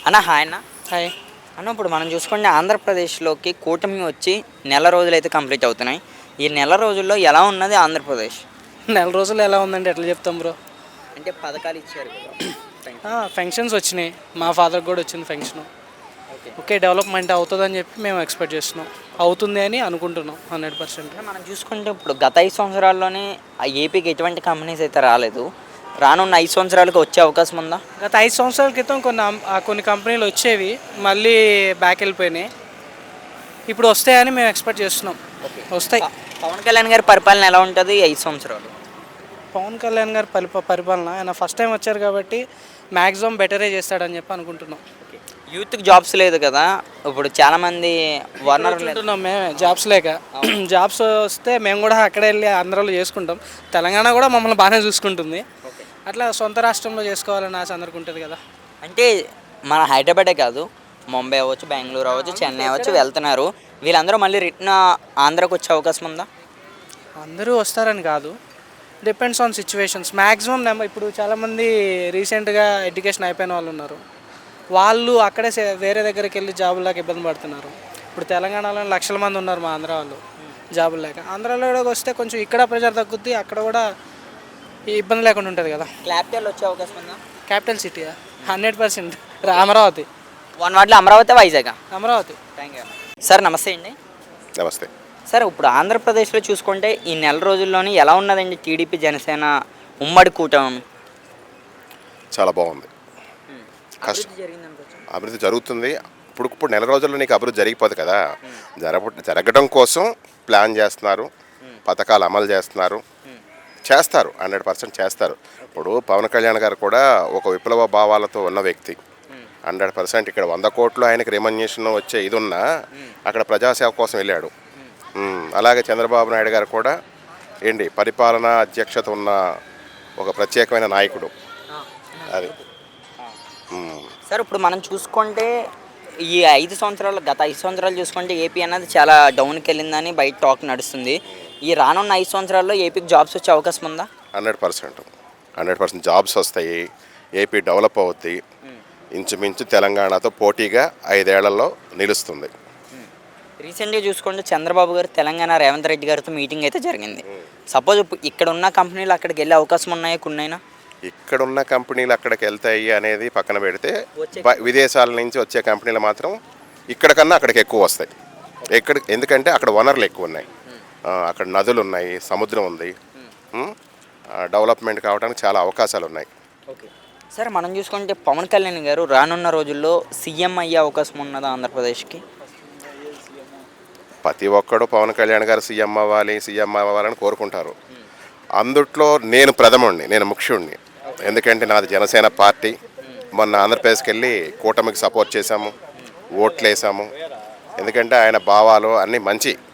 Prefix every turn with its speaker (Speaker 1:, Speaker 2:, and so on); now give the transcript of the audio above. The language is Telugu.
Speaker 1: అన్న హాయ్ అన్న.
Speaker 2: హాయ్.
Speaker 1: అన్న ఇప్పుడు మనం చూసుకుంటే ఆంధ్రప్రదేశ్లోకి కూటమి వచ్చి నెల రోజులైతే కంప్లీట్ అవుతున్నాయి. ఈ నెల రోజుల్లో ఎలా ఉన్నది ఆంధ్రప్రదేశ్?
Speaker 2: నెల రోజులు ఎలా ఉందండి, ఎట్లా చెప్తాం బ్రో?
Speaker 1: అంటే పథకాలు ఇచ్చారు కదా.
Speaker 2: ఫంక్షన్స్ వచ్చినాయి, మా ఫాదర్కి కూడా వచ్చింది ఫంక్షన్.
Speaker 1: ఓకే.
Speaker 2: ఓకే, డెవలప్మెంట్ అవుతుందని చెప్పి మేము ఎక్స్పెక్ట్ చేస్తున్నాం, అవుతుంది అని అనుకుంటున్నాం 100%.
Speaker 1: మనం చూసుకుంటే ఇప్పుడు గత 5 సంవత్సరాల్లోనే ఆ ఏపీకి ఎటువంటి కంపెనీస్ అయితే రాలేదు. రానున్న 5 సంవత్సరాలకు వచ్చే అవకాశం ఉందా?
Speaker 2: గత 5 సంవత్సరాల క్రితం కొన్ని కంపెనీలు వచ్చేవి, మళ్ళీ బ్యాక్ వెళ్ళిపోయినాయి. ఇప్పుడు వస్తాయని మేము ఎక్స్పెక్ట్ చేస్తున్నాం. వస్తాయి.
Speaker 1: పవన్ కళ్యాణ్ గారి పరిపాలన ఎలా ఉంటుంది 5 సంవత్సరాలు?
Speaker 2: పవన్ కళ్యాణ్ గారి పరిపాలన ఆయన ఫస్ట్ టైం వచ్చారు కాబట్టి మ్యాక్సిమం బెటరే చేస్తాడని చెప్పి అనుకుంటున్నాం.
Speaker 1: యూత్కి జాబ్స్ లేదు కదా, ఇప్పుడు చాలామంది
Speaker 2: అనుకుంటున్నాం మేమే జాబ్స్ లేక. జాబ్స్ వస్తే మేము కూడా అక్కడే వెళ్ళి ఆంధ్రాలో చేసుకుంటాం. తెలంగాణ కూడా మమ్మల్ని బాగానే చూసుకుంటుంది. అట్లా సొంత రాష్ట్రంలో చేసుకోవాలని ఆశ అందరికి ఉంటుంది కదా.
Speaker 1: అంటే మన హైదరాబాదే కాదు, ముంబై అవ్వచ్చు, బెంగళూరు అవ్వచ్చు, చెన్నై అవ్వచ్చు వెళ్తున్నారు. వీళ్ళందరూ మళ్ళీ రిటర్న్ ఆంధ్రాకి వచ్చే అవకాశం ఉందా?
Speaker 2: అందరూ వస్తారని కాదు, డిపెండ్స్ ఆన్ సిచ్యువేషన్స్. మ్యాక్సిమం ఇప్పుడు చాలామంది రీసెంట్గా ఎడ్యుకేషన్ అయిపోయిన వాళ్ళు ఉన్నారు. వాళ్ళు అక్కడే వేరే దగ్గరికి వెళ్ళి జాబులకు ఇబ్బంది పడుతున్నారు. ఇప్పుడు తెలంగాణలో లక్షల మంది ఉన్నారు మా ఆంధ్ర వాళ్ళు జాబులు లేక. ఆంధ్రాలో కూడా వస్తే కొంచెం ఇక్కడ ప్రెజర్ తగ్గుద్ది, అక్కడ కూడా ఇబ్బంది లేకుండా ఉంటుంది కదా.
Speaker 1: క్యాపిటల్ వచ్చే అవకాశం ఉందా?
Speaker 2: Capital city 100% Amaravati.
Speaker 1: వన్ వాటిలో Amaravati, Vizag.
Speaker 2: Amaravati.
Speaker 1: Thank you sir. నమస్తే అండి.
Speaker 3: నమస్తే
Speaker 1: సార్, ఇప్పుడు ఆంధ్రప్రదేశ్లో చూసుకుంటే ఈ నెల రోజుల్లోని ఎలా ఉన్నదండి టీడీపీ జనసేన ఉమ్మడి కూటమి?
Speaker 3: చాలా బాగుంది. అభివృద్ధి జరుగుతుంది. ఇప్పుడు నెల రోజుల్లో నీకు అభివృద్ధి జరిగిపోదు కదా. జరగడం కోసం ప్లాన్ చేస్తున్నారు, పథకాలు అమలు చేస్తారు 100% చేస్తారు. ఇప్పుడు పవన్ కళ్యాణ్ గారు కూడా ఒక విప్లవ భావాలతో ఉన్న వ్యక్తి. 100% ఇక్కడ 100 కోట్లు ఆయనకి రెమ్యునరేషన్ వచ్చే ఇది ఉన్నా అక్కడ ప్రజాసేవ కోసం వెళ్ళాడు. అలాగే చంద్రబాబు నాయుడు గారు కూడా పరిపాలనా అధ్యక్షత ఉన్న ఒక ప్రత్యేకమైన నాయకుడు. అది
Speaker 1: సార్, ఇప్పుడు మనం చూసుకుంటే ఈ గత 5 సంవత్సరాలు చూసుకుంటే ఏపీ అన్నది చాలా డౌన్కి వెళ్ళిందని బయట టాక్ నడుస్తుంది. ఈ రానున్న 5 సంవత్సరాల్లో ఏపీకి జాబ్స్ వచ్చే అవకాశం ఉందా?
Speaker 3: 100% జాబ్స్ వస్తాయి. ఏపీ డెవలప్ అవుద్ది. ఇంచుమించు తెలంగాణతో పోటీగా 5 ఏళ్లలో నిలుస్తుంది.
Speaker 1: రీసెంట్గా చూసుకుంటే చంద్రబాబు గారు తెలంగాణ రేవంత్ రెడ్డి గారితో మీటింగ్ అయితే జరిగింది. సపోజ్ ఇక్కడ ఉన్న కంపెనీలు అక్కడికి వెళ్ళే అవకాశం ఉన్నాయా కొన్నైనా?
Speaker 3: ఇక్కడున్న కంపెనీలు అక్కడికి వెళ్తాయి అనేది పక్కన పెడితే విదేశాల నుంచి వచ్చే కంపెనీలు మాత్రం ఇక్కడ కన్నా అక్కడికి ఎక్కువ వస్తాయి. ఎందుకంటే అక్కడ వనరులు ఎక్కువ ఉన్నాయి, అక్కడ నదులు ఉన్నాయి, సముద్రం ఉంది, డెవలప్మెంట్ కావడానికి చాలా అవకాశాలు ఉన్నాయి.
Speaker 1: ఓకే సార్, మనం చూసుకుంటే పవన్ కళ్యాణ్ గారు రానున్న రోజుల్లో సీఎం అయ్యే అవకాశం ఉన్నదా ఆంధ్రప్రదేశ్కి?
Speaker 3: ప్రతి ఒక్కడు పవన్ కళ్యాణ్ గారు సీఎం అవ్వాలని కోరుకుంటారు. అందుట్లో నేను ప్రథముడిని, నేను ముఖ్యుడిని. ఎందుకంటే నాది జనసేన పార్టీ. మొన్న ఆంధ్రప్రదేశ్కి వెళ్ళి కూటమికి సపోర్ట్ చేశాము, ఓట్లు వేసాము. ఎందుకంటే ఆయన భావాలు అన్నీ మంచి.